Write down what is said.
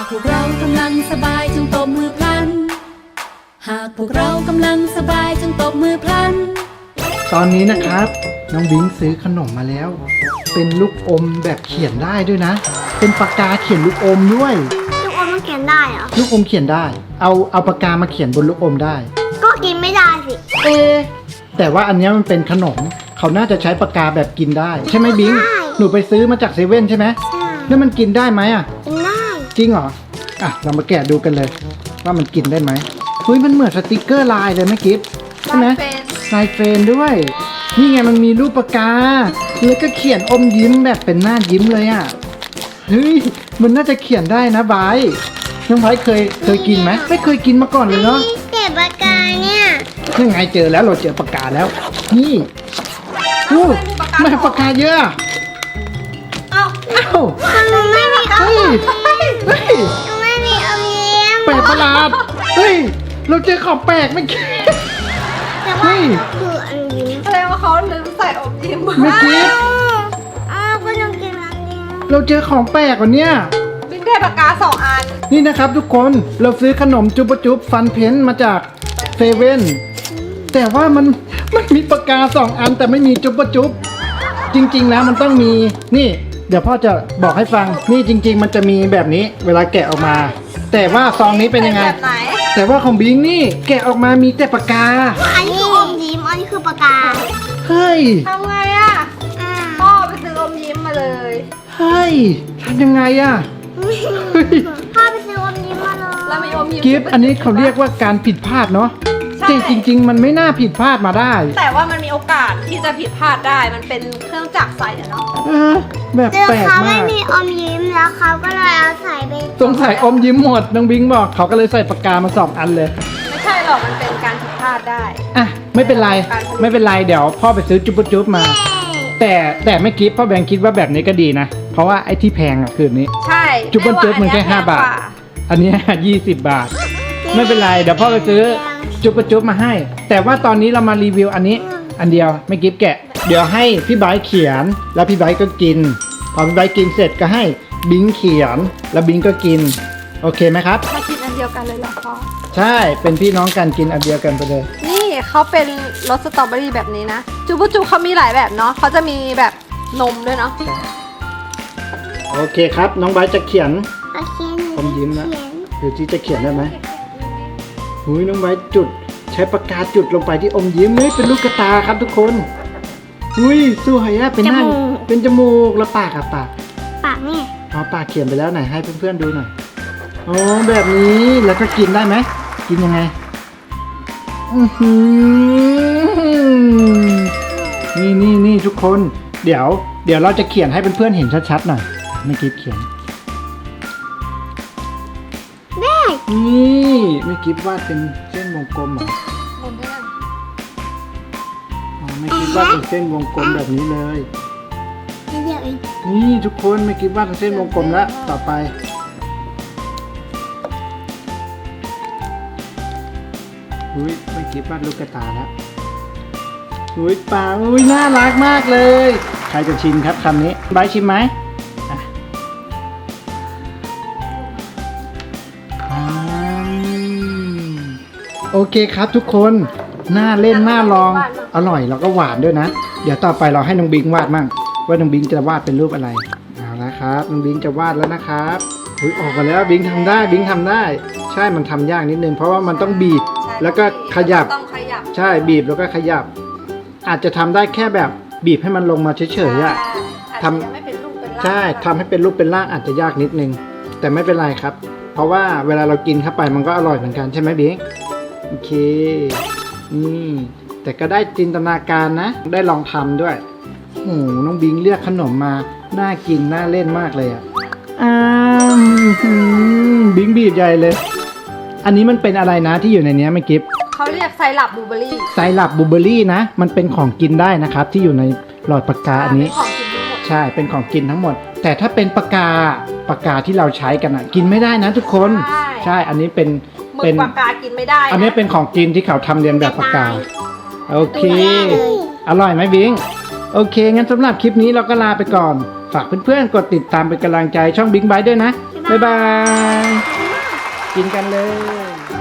พวกเรากำลังสบายจงตบมือพลันหากพวกเรากำลังสบายจงตบมือพลันตอนนี้นะครับน้องบิงซื้อขนมมาแล้วเป็นลูกอมแบบเขียนได้ด้วยนะเป็นปากกาเขียนลูกอมด้วยลูกอมมันเขียนได้เหรอลูกอมเขียนได้เอาปากกามาเขียนบนลูกอมได้ก็กินไม่ได้สิแต่ว่าอันนี้มันเป็นขนมเขาน่าจะใช้ปากกาแบบกินได้ใช่ไหมบิงหนูไปซื้อมาจากเซเว่นใช่ไหมใช่แล้วมันกินได้ไหมอ่ะกินได้จริงเหรออ่ะเรามาแกะดูกันเลยว่ามันกินได้ไหมเฮ้ยมันเหมือนสติกเกอร์ลายเลยไหมกิฟใช่ไหมลายเฟรนด้วยนี่ไงมันมีรูปปากกาแล้วก็เขียนอมยิ้มแบบเป็นหน้ายิ้มเลยอ่ะเฮ้ยมันน่าจะเขียนได้นะไบร์ทน้องไบร์ทเคยกินไหมไม่เคยกินมาก่อนเลยเนาะแต่ปากกาเนี่ยยังไงเจอแล้วเราเจอปากกาแล้วนี่ไม่ปากกาเยอะเอ้ามันไม่มีอมยิ้มไม่มีอมยิ้มแปลกประหลาดเฮ้ยเราเจอของแปลกไม่คิดแต่ว่าคืออมยิ้มแสดงว่าเขาลืมใส่อมยิ้มไม่คิดก็ต้องกินอมยิ้มเราเจอของแปลกกว่านี้บิ๊กได้ปากกา2 อันนี่นะครับทุกคนเราซื้อขนมจุ๊บจุ๊บฟันเพ้นมาจากเซเว่นแต่ว่ามันมีปากกา2 อันแต่ไม่มีจุ๊บจุ๊บจริงๆแล้วมันต้องมีนี่เดี๋ยวพ่อจะบอกให้ฟังนี่จริงๆมันจะมีแบบนี้เวลาแกะออกมาแต่ว่าซองนี้เป็นยังไงแบบไหนแต่ว่าของบิงนี่แกะออกมามีแต่ปากกาอันนี้คืออมยิ้มอันนี้คือปากกาเฮ้ยทำไงอ่ะพ่อไปซื้ออมยิ้มมาเลยเฮ้ยทำยังไงอ่ะพ่อไปซื้ออมยิ้มมาเลยแล้วมีอมยิ้มกิฟต์อันนี้เขาเรียกว่าการผิดพลาดเนาะแต่จริงๆมันไม่น่าผิดพลาดมาได้แต่ว่ามันมีโอกาสที่จะผิดพลาดได้มันเป็นเครื่องจักรใส่เนาะแบบแปลกมากเขาไม่มีอมยิ้มแล้วเขาก็เลยเอาใส่ไปสงสัยอมยิ้มหมดน้องบิงบอกเขาก็เลยใส่ปากกามา2 อันเลยไม่ใช่หรอกมันเป็นการผิดพลาดได้อ่ะไม่เป็นไรเดี๋ยวพ่อไปซื้อจุ๊บมาแต่ไม่คิดพ่อแบงค์คิดว่าแบบนี้ก็ดีนะเพราะว่าไอ้ที่แพงอ่ะคือนี้ใช่จุ๊บมันแค่5 บาทอันนี้20 บาทไม่เป็นไรเดี๋ยวพ่อไปซื้อจุ๊บมาให้แต่ว่าตอนนี้เรามารีวิวอันนี้อันเดียวไม่กิฟแกะเดี๋ยวให้พี่ไบร์ทเขียนแล้วพี่ไบร์ทก็กินพอพี่ไบร์ทกินเสร็จก็ให้บิงเขียนแล้วบิงก็กินโอเคไหมครับมากินอันเดียวกันเลยเหรอพ่อใช่เป็นพี่น้องกันกินอันเดียวกันไปเลยนี่เขาเป็นรสสตรอเบอรี่แบบนี้นะจุ๊บเขามีหลายแบบเนาะเขาจะมีแบบนมด้วยเนาะโอเคครับน้องไบร์ทจะเขียนผมยิ้มนะหรือที่จะเขียนได้ไหมหุยน้องไบร์ทจุดใช้ปากกาจุดลงไปที่อมยิ้มนี่เป็นลูกตาครับทุกคนอุ้ยสวยอะเป็นหน้าเป็นจมูกแล้วปากอะปากนี่ปากเขียนไปแล้วไหนให้เพื่อนๆดูหน่อยอ๋อแบบนี้แล้วก็กินได้ไหมกินยังไงนี่ทุกคนเดี๋ยวเราจะเขียนให้เพื่อนๆเห็นชัดๆหน่อยไม่กิฟเขียนนี่ไม่กิฟวาดเป็นเส้นวงกลมเหรอไม่คิดว่าเป็นเส้นวงกลมแบบนี้เลยนี่ทุกคนไม่คิดว่าเป็นเส้นวงกลมแล้วต่อไปอุ้ยไม่คิดว่าลูกกระตาแล้วอุ้ยปากอุ้ยน่ารักมากเลยใครจะชิมครับคำนี้ไบร์ทชิมไหมโอเคครับทุกคนน่าเล่นน่าลองอร่อยแล้วก็หวานด้วยนะเดี๋ยวต่อไปเราให้น้องบิงวาดมั่งว่าน้องบิงจะวาดเป็นรูปอะไรเอาละครับน้องบิงจะวาดแล้วนะครับออกมาแล้วบิงทำได้ใช่มันทำยากนิดนึงเพราะว่ามันต้องบีบแล้วก็ขยับใช่บีบแล้วก็ขยับอาจจะทำได้แค่แบบบีบให้มันลงมาเฉยๆอะทำใช่ทำให้เป็นรูปเป็นร่างอาจจะยากนิดนึงแต่ไม่เป็นไรครับเพราะว่าเวลาเรากินเข้าไปมันก็อร่อยเหมือนกันใช่ไหมบิงโอเคนี่แต่ก็ได้จินตนาการนะได้ลองทำด้วยโอ้น้องบิงเลือกขนมมาน่ากินน่าเล่นมากเลยอ่ะบิงบีบใหญ่เลยอันนี้มันเป็นอะไรนะที่อยู่ในนี้ไม่กิฟเขาเรียกไซรัปบลูเบอรี่นะมันเป็นของกินได้นะครับที่อยู่ในหลอดปากกาอันนี้ใช่เป็นของกินทั้งหมดแต่ถ้าเป็นปากกาที่เราใช้กันอ่ะกินไม่ได้นะทุกคนใช่อันนี้เป็นปากกากินไม่ได้อันนี้เป็นของกินที่เขาทำเรียนแบบปากกาโอเคอร่อยไหมบิงโอเคงั้นสำหรับคลิปนี้เราก็ลาไปก่อนฝากเพื่อนๆกดติดตามเป็นกำลังใจช่องบิงไบท์ด้วยนะบ๊ายบาย กินกันเลย